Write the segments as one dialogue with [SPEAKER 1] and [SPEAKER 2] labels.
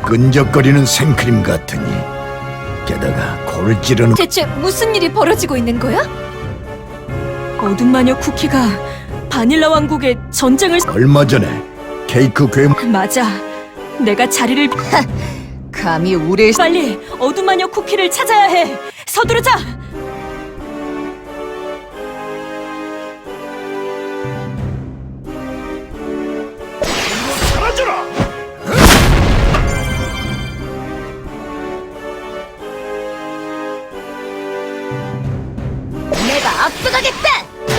[SPEAKER 1] 끈적거리는 생크림 같으니 게다가 코를 찌르는
[SPEAKER 2] 대체 무슨 일이 벌어지고 있는 거야?
[SPEAKER 3] 어둠 마녀 쿠키가 바닐라 왕국에 전쟁을
[SPEAKER 1] 얼마 전에 케이크 괴물
[SPEAKER 3] 맞아. 내가 자리를
[SPEAKER 2] 감히 우리를
[SPEAKER 3] 빨리 어둠 마녀 쿠키를 찾아야 해. 서두르자.
[SPEAKER 1] 사라져라!
[SPEAKER 2] 내가 앞서가겠다!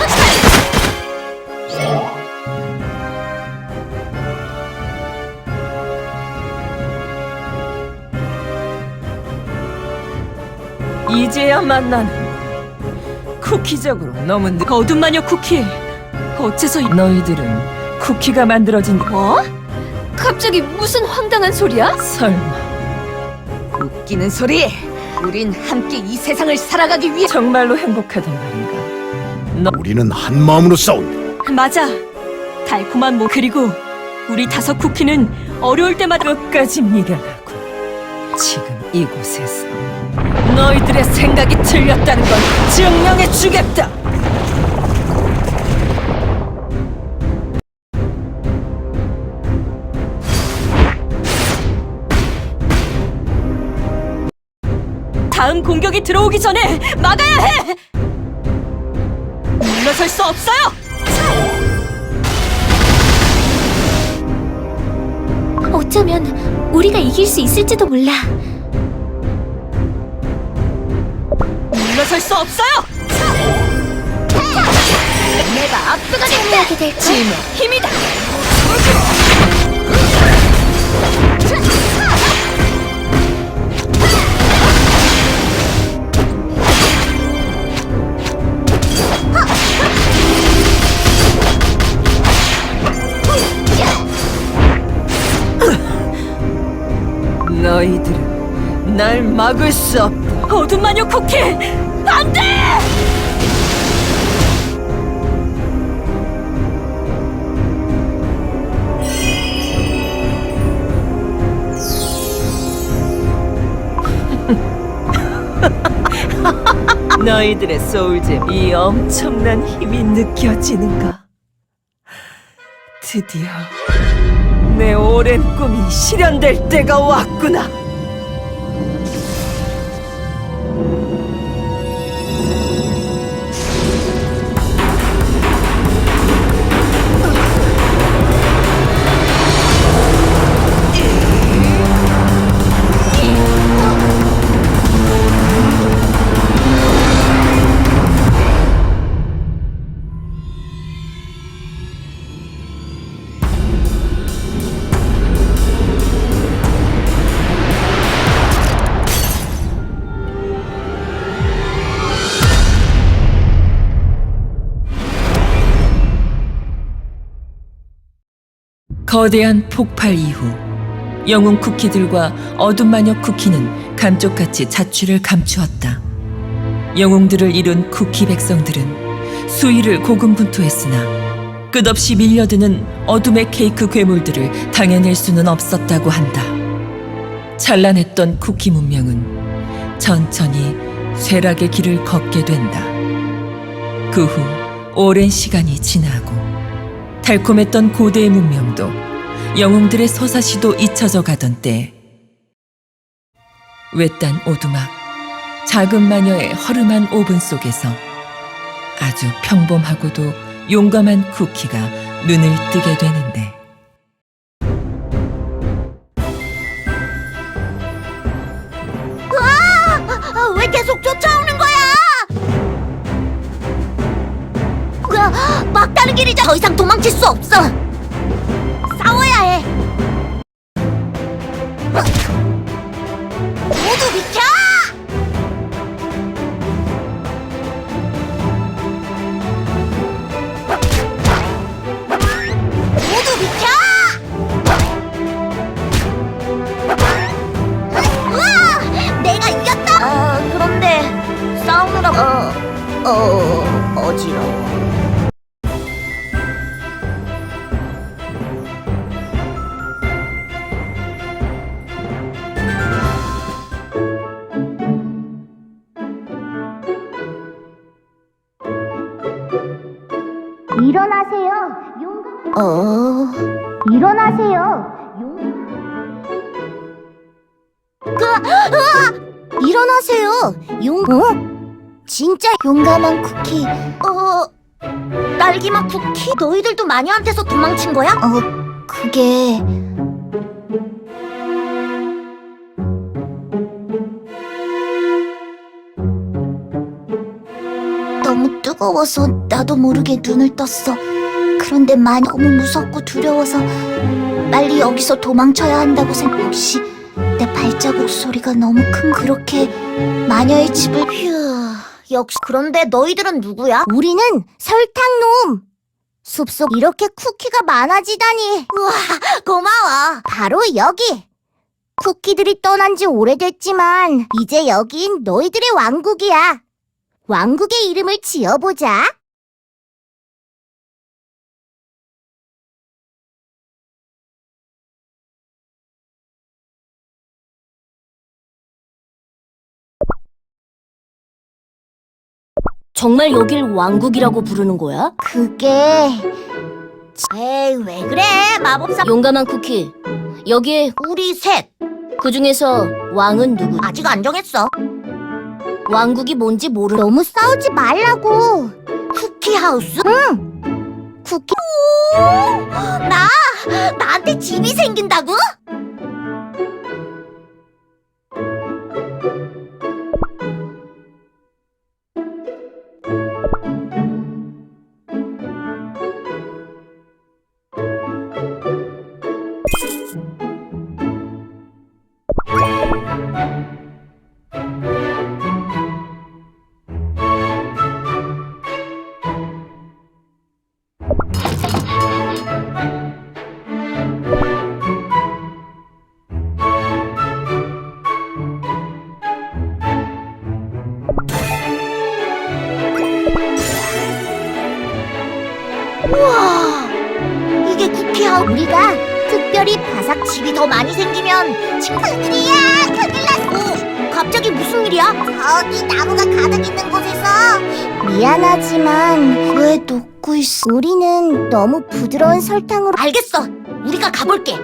[SPEAKER 3] 이제야 만나는 쿠키적으로 너무 어둠 마녀 쿠키. 어째서 너희들은 쿠키가 만들어진
[SPEAKER 2] 뭐? 갑자기 무슨 황당한 소리야?
[SPEAKER 3] 설마
[SPEAKER 2] 웃기는 소리! 우린 함께 이 세상을 살아가기 위해
[SPEAKER 3] 정말로 행복하단 말인가?
[SPEAKER 1] 우리는 한 마음으로 싸운다.
[SPEAKER 3] 맞아. 달콤한 모 그리고 우리 다섯 쿠키는 어려울 때마다 끝까지 미련하고 지금 이곳에서 너희들의 생각이 틀렸다는 걸 증명해 주겠다. 다음 공격이 들어오기 전에 막아야 해. 물러설 수 없어요.
[SPEAKER 4] 어쩌면 우리가 이길 수 있을지도 몰라.
[SPEAKER 3] 물러설 수 없어요.
[SPEAKER 2] 내가 앞서가겠다!
[SPEAKER 4] 참여하게 될 거야.
[SPEAKER 3] 힘의 힘이다. 너희들은 날 막을 수 없다. 어둠 마녀 쿠키, 안 돼! 너희들의 소울잼, 이 엄청난 힘이 느껴지는가? 드디어 내 오랜 꿈이 실현될 때가 왔구나. 거대한 폭발 이후 영웅 쿠키들과 어둠 마녀 쿠키는 감쪽같이 자취를 감추었다. 영웅들을 이룬 쿠키 백성들은 수위를 고군분투했으나 끝없이 밀려드는 어둠의 케이크 괴물들을 당해낼 수는 없었다고 한다. 찬란했던 쿠키 문명은 천천히 쇠락의 길을 걷게 된다. 그 후 오랜 시간이 지나고 달콤했던 고대의 문명도 영웅들의 서사시도 잊혀져 가던 때 외딴 오두막 작은 마녀의 허름한 오븐 속에서 아주 평범하고도 용감한 쿠키가 눈을 뜨게 되는데
[SPEAKER 4] 왜 계속 쫓아오는 거야? 막다른 길이자 더 이상 도망칠 수 없어. 싸워야 해. 모두 비켜! 모두 비켜! 우와! 내가 이겼다! 그런데 싸우느라 어지러워. 일어나세요. 일어나세요. 일어나세요. 진짜 용감한 쿠키. 딸기맛 쿠키? 너희들도 마녀한테서 도망친 거야? 그게... 너무 뜨거워서 나도 모르게 눈을 떴어. 그런데 너무 무섭고 두려워서 빨리 여기서 도망쳐야 한다고 생각. 혹시 내 발자국 소리가 너무 큰 그렇게 마녀의 집을... 역시. 그런데 너희들은 누구야? 우리는 설탕놈. 숲속 이렇게 쿠키가 많아지다니. 우와, 고마워. 바로 여기. 쿠키들이 떠난 지 오래됐지만 이제 여긴 너희들의 왕국이야. 왕국의 이름을 지어보자.
[SPEAKER 3] 정말 여길 왕국이라고 부르는 거야?
[SPEAKER 4] 그게... 에이, 왜 그래? 마법사...
[SPEAKER 3] 용감한 쿠키, 여기에
[SPEAKER 4] 우리 셋.
[SPEAKER 3] 그 중에서 왕은 누구?
[SPEAKER 4] 아직 안 정했어.
[SPEAKER 3] 왕국이 뭔지
[SPEAKER 4] 너무 싸우지 말라고. 쿠키하우스? 응. 쿠키... 나한테 집이 생긴다고? 우와, 이게 쿠키하우스. 우리가 특별히 바삭 집이 더 많이 생기면 친구들이야, 큰일 났어. 갑자기 무슨 일이야? 저기 나무가 가득 있는 곳에서. 미안하지만 왜 녹고 있어? 우리는 너무 부드러운 설탕으로... 알겠어, 우리가 가볼게.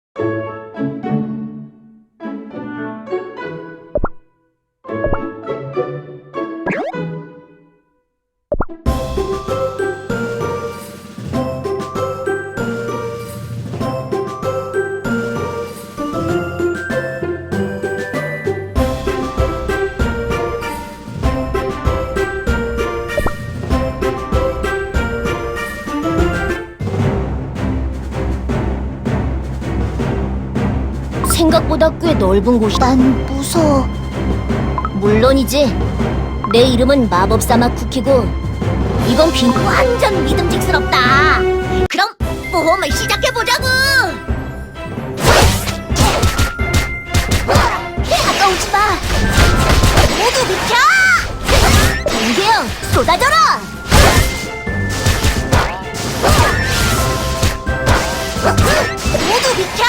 [SPEAKER 3] 생각보다 꽤 넓은 곳이다.
[SPEAKER 4] 난 무서워.
[SPEAKER 3] 물론이지. 내 이름은 마법사막 쿠키고 이건
[SPEAKER 4] 완전 믿음직스럽다. 그럼 모험을 시작해보자고. 가까우지 마. 모두 비켜.
[SPEAKER 3] 번개형 쏟아져라.
[SPEAKER 4] 모두 비켜.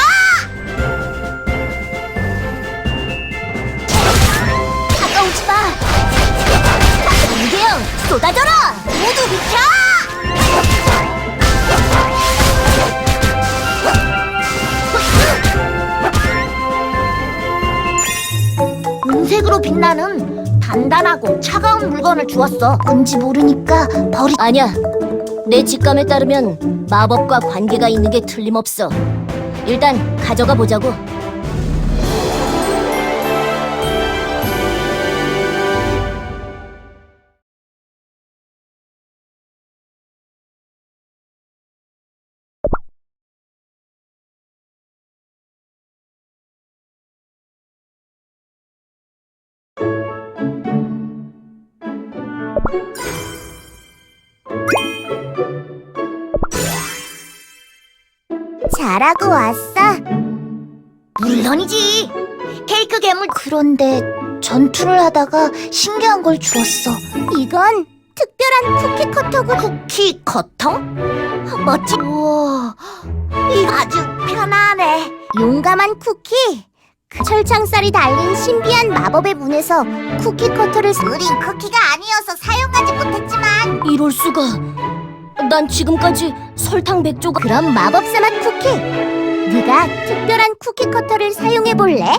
[SPEAKER 4] 가까우지 마.
[SPEAKER 3] 번개형 쏟아져라.
[SPEAKER 4] 모두 비켜. 은색으로 빛나는 단단하고 차가운 물건을 주었어. 뭔지 모르니까
[SPEAKER 3] 아니야. 내 직감에 따르면 마법과 관계가 있는 게 틀림없어. 일단 가져가 보자고.
[SPEAKER 4] 잘하고 왔어? 물론이지. 케이크 괴물. 그런데 전투를 하다가 신기한 걸 주었어. 이건 특별한 쿠키 커터고. 쿠키 커터? 멋지. 우와, 이거 아주 편하네. 용감한 쿠키. 그 철창살이 달린 신비한 마법의 문에서 쿠키 커터를... 우린 쿠키가 아니어서 사용하지 못했지만...
[SPEAKER 3] 이럴 수가.
[SPEAKER 4] 난 지금까지 설탕 백조가. 그럼 마법사 맛 쿠키. 네가 특별한 쿠키 커터를 사용해 볼래?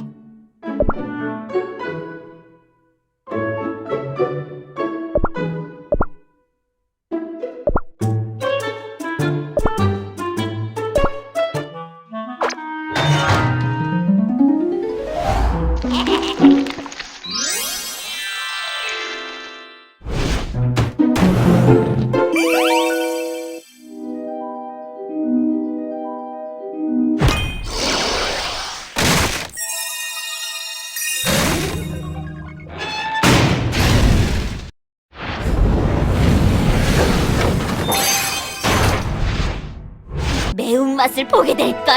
[SPEAKER 4] 매운맛을 보게 될걸?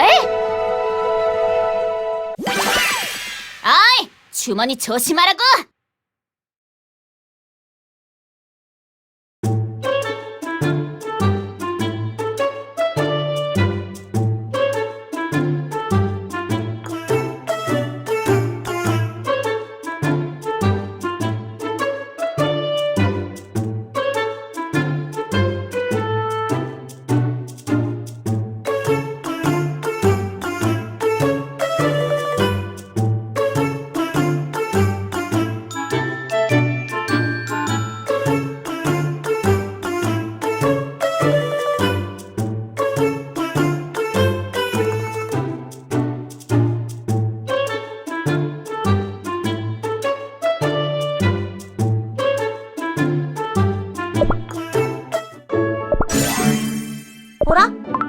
[SPEAKER 4] 어이! 주머니 조심하라고! 뭐라?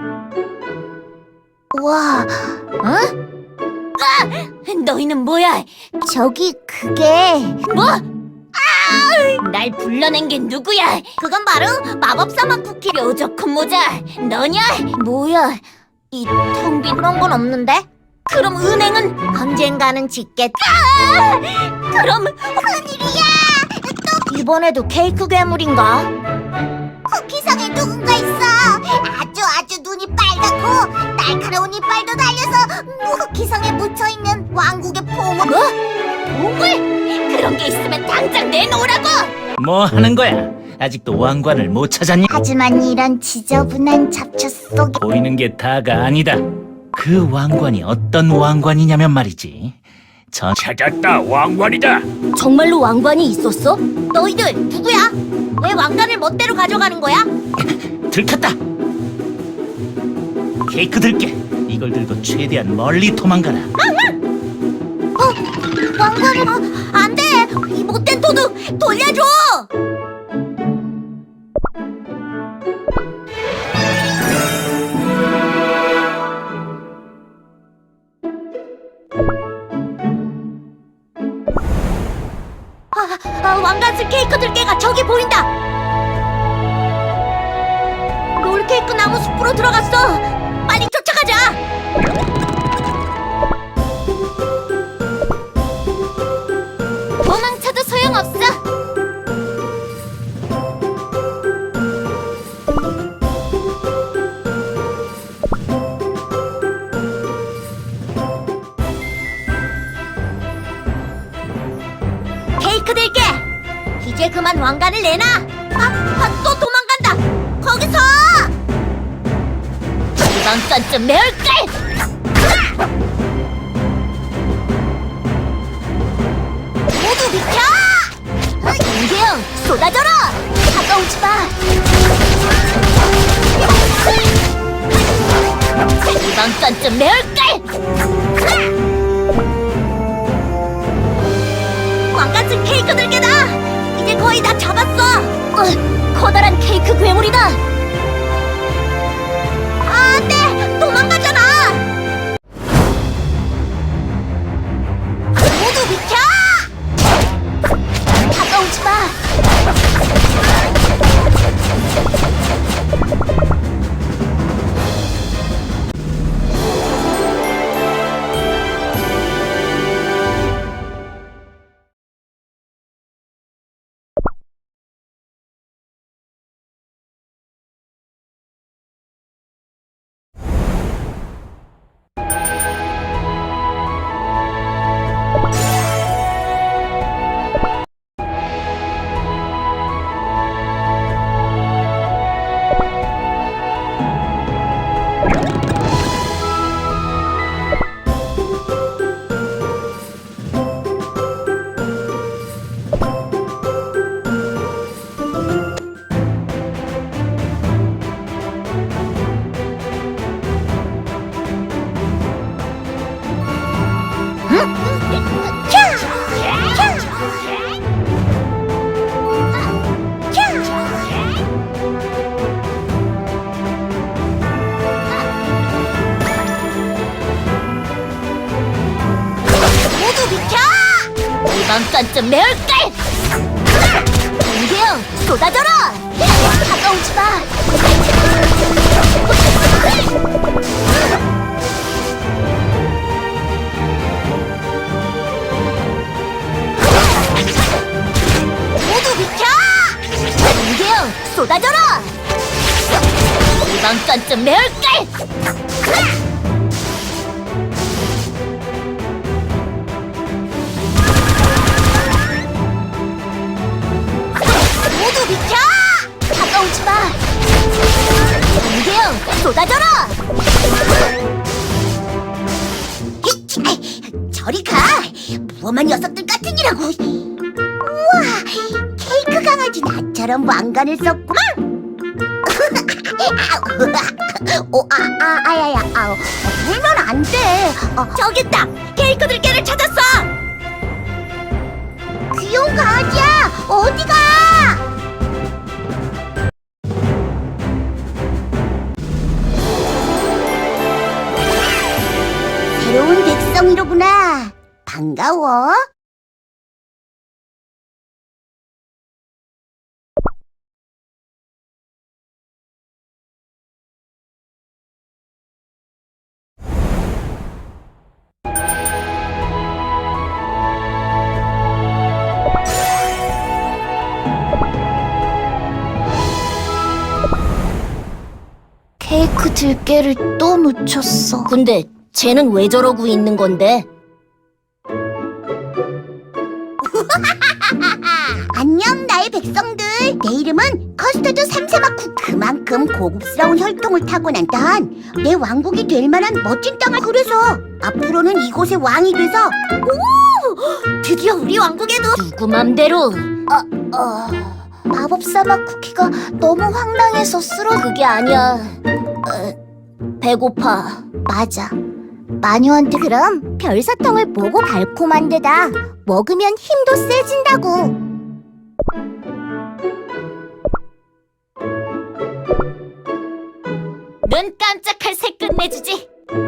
[SPEAKER 4] 와, 어? 너희는 뭐야? 저기 그게 뭐? 날 불러낸 게 누구야? 그건 바로 마법사 맛 쿠키 뾰족한 모자 너냐? 뭐야? 이 텅 빈 그런 건 없는데? 그럼 은행은 언젠가는 짓겠다. 그럼 큰일이야. 이번에도 케이크 괴물인가? 쿠키성에 누군가 있어. 아주 눈이 빨갛고 날카로운 이빨도 달려서 쿠키성에 묻혀있는 왕국의 보물. 뭐? 보물? 그런 게 있으면 당장 내놓으라고!
[SPEAKER 5] 뭐 하는 거야? 아직도 왕관을 못 찾았니?
[SPEAKER 4] 하지만 이런 지저분한 잡초 속에
[SPEAKER 5] 보이는 게 다가 아니다. 그 왕관이 어떤 왕관이냐면 말이지. 찾았다, 왕관이다.
[SPEAKER 4] 정말로 왕관이 있었어? 너희들 누구야? 왜 왕관을 멋대로 가져가는 거야?
[SPEAKER 5] 들켰다. 케이크 들게. 이걸 들고 최대한 멀리 도망가라.
[SPEAKER 4] 왕관을 안 돼! 이 못된 도둑 돌려줘! 왕관 쓸 케이크 들개가 저기 보인다! 롤케이크 나무 숲으로 들어갔어! 빨리 쫓아가자! 도망쳐도 소용없어! 케이크 들게! 이제 그만 왕관을 내놔! 또 도망간다! 거기서! 이번 건좀 매울걸! 모두 비켜! 인계형 쏟아져라! 가까우지 마! 이번 건좀 매울걸! 왕관 쓴 케이크 들개다! 이제 거의 다 잡았어! 커다란 케이크 괴물이다! 이번 건좀 매울걸! 이대요 쏟아져라! 다가오지 마! 모두 비켜! 이대요 쏟아져라! 이번 건좀 매울걸! 모두 비켜! 다가오지 마! 이대요 쏟아져라! 저리 가! 무엄한 녀석들 같으니라고! 우와! 케이크 강아지 나처럼 왕관을 썼구만! 아야야, 울면 안 돼! 저기 있다! 케이크 들개를 찾았어! 귀여운 강아지야! 어디가? 새로운 백성이로구나. 반가워. 케이크 들깨를 또 놓쳤어. 근데 쟤는 왜 저러고 있는 건데? 안녕 나의 백성들. 내 이름은 커스터드 삼세마쿠. 그만큼 고급스러운 혈통을 타고난 내 왕국이 될 만한 멋진 땅을. 그래서 앞으로는 이곳의 왕이 돼서 드디어 우리 왕국에도 누구 맘대로 마법사막 쿠키가 너무 황당해서 그게 아니야. 배고파. 맞아. 마녀한테 그럼 별사탕을 보고 달콤한 데다 먹으면 힘도 세진다고. 눈 깜짝할 새 끝내주지.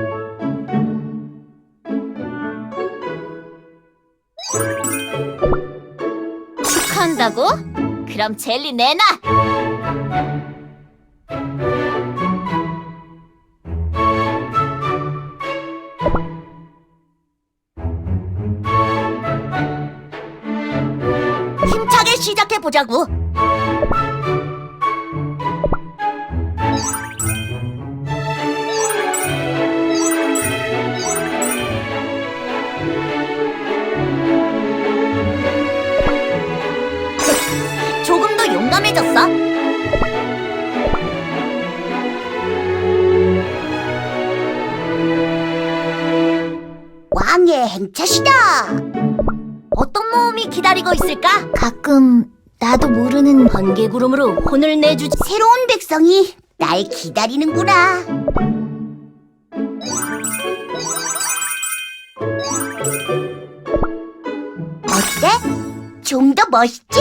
[SPEAKER 4] 축하한다고? 그럼 젤리 내놔. 힘차게 시작해보자고. 조금 더 용감해졌어. 왕의 행차시다. 어떤 모험이 기다리고 있을까? 가끔 나도 모르는 번개구름으로 혼을 내주지. 새로운 백성이 날 기다리는구나. 어때? 좀 더 멋있지?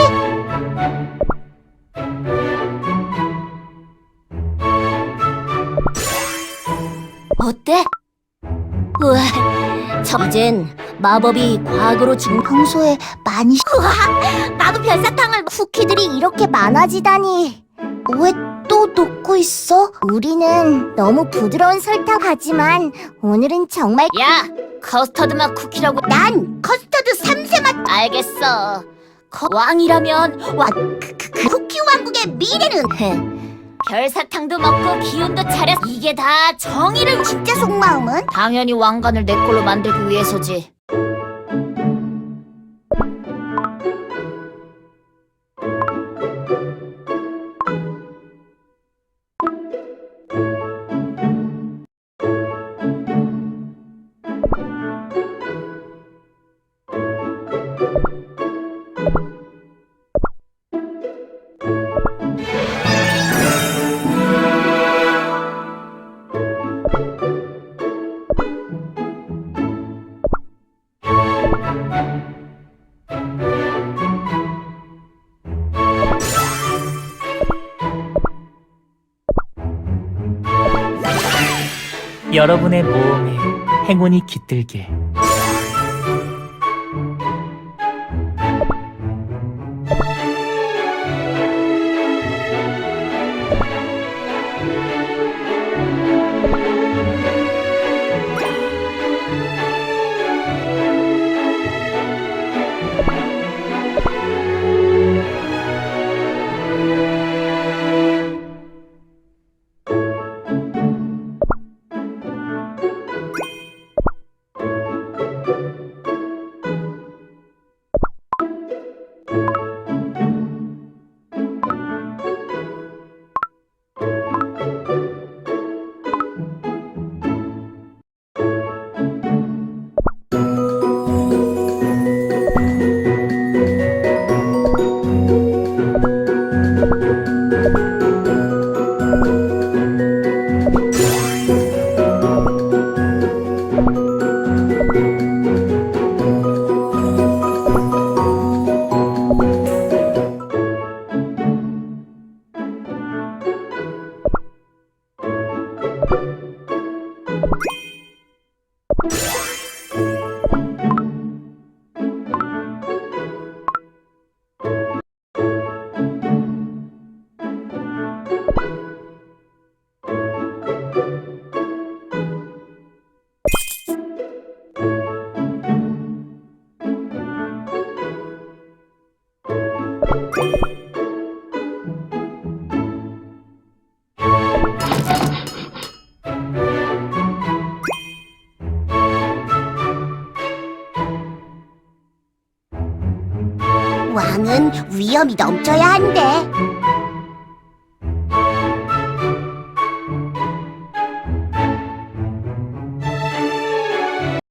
[SPEAKER 4] 어때? 우와, 이젠 마법이 과거로 평소에 많이. 우와, 나도 별사탕을. 쿠키들이 이렇게 많아지다니. 왜 또 녹고 있어? 우리는 너무 부드러운 설탕 하지만 오늘은 정말. 야, 커스터드 맛 쿠키라고. 난 커스터드 3세 맛. 알겠어. 왕이라면 쿠키 왕국의 미래는 별사탕도 먹고 기운도 차려. 이게 다 정의를. 진짜 속마음은? 당연히 왕관을 내 걸로 만들기 위해서지.
[SPEAKER 5] 여러분의 모험에 행운이 깃들길.
[SPEAKER 4] 왕은 위험이 넘쳐야 한대.